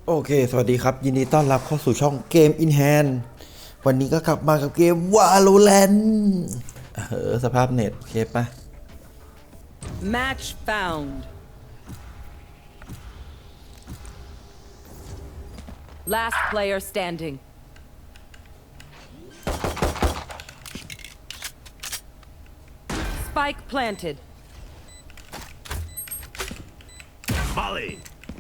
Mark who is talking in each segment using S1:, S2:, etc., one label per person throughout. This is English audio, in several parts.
S1: โอเค สวัสดีครับ ยินดีต้อนรับเข้าสู่ช่องเกม In Hand วันนี้ก็กลับมากับเกม Valorant สภาพเน็ตโอเคปะ
S2: Match found. Last player standing. Spike planted.
S3: Molly.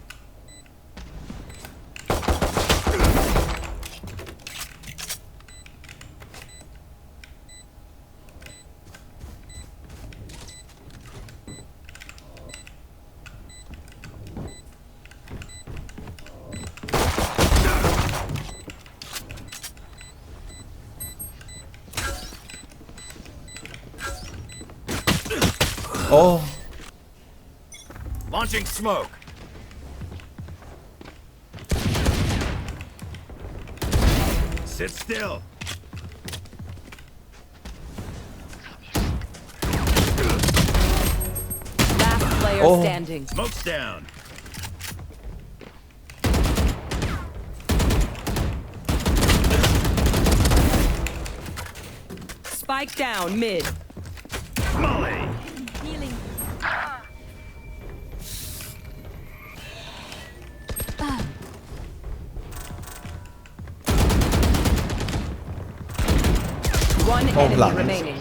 S1: Oh.
S3: Launching smoke. Sit still.
S2: Last player
S1: Oh.
S2: standing.
S3: Smoke's down.
S2: Spike down mid.
S3: Molly.
S2: Healing. One enemy
S1: lang.
S2: remaining.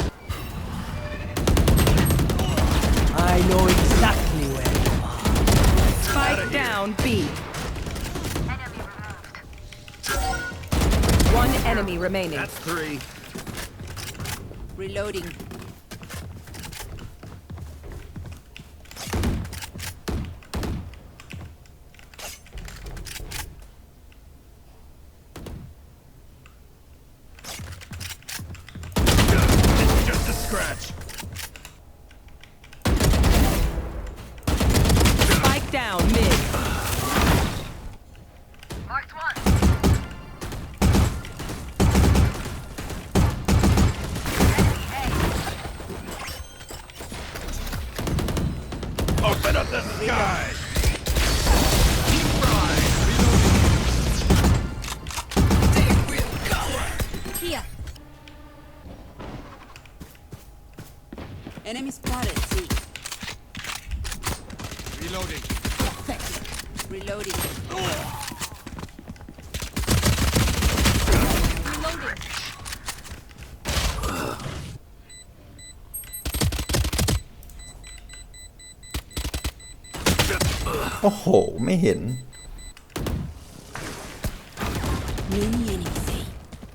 S4: I know exactly where you are.
S2: Spike down B. One enemy remaining.
S3: That's three.
S2: Reloading.
S3: It's just a scratch.
S2: Spike down mid.
S5: Marked one.
S3: Open up the sky.
S5: Here. Enemy spotted. See.
S3: Reloading.
S5: Reloading. Reloading.
S1: โอ้โห ไม่เห็น
S5: Mini anything.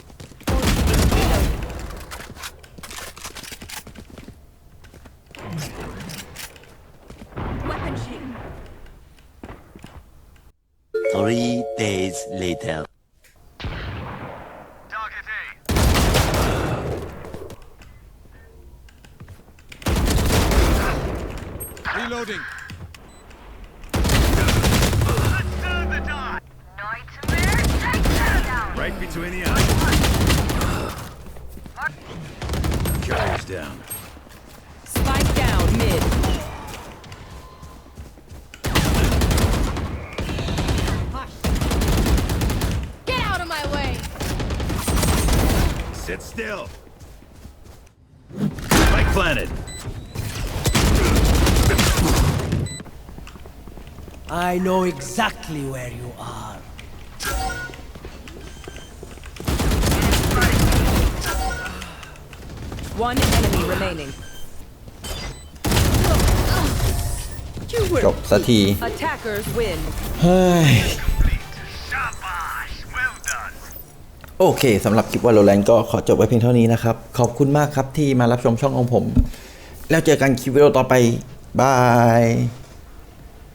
S5: Weapon shield.
S6: 3 days later.
S3: Target A. Reloading.
S5: Nightmare. Take that down.
S3: Right between the eyes. Carrier's down.
S2: Spike down mid.
S5: Get out of my way.
S3: Sit still. Spike planted.
S4: I know exactly where you are.
S2: One enemy remaining.
S1: จบสักที
S2: Attackers win.
S1: เฮ้ย
S3: Shabash. Well done.
S1: โอเคสำหรับคลิป Valorant ก็ขอจบไว้เพียงเท่านี้นะครับ ขอบคุณมากครับที่มารับชมช่องของผม แล้วเจอกันคลิปวิดีโอต่อไป บาย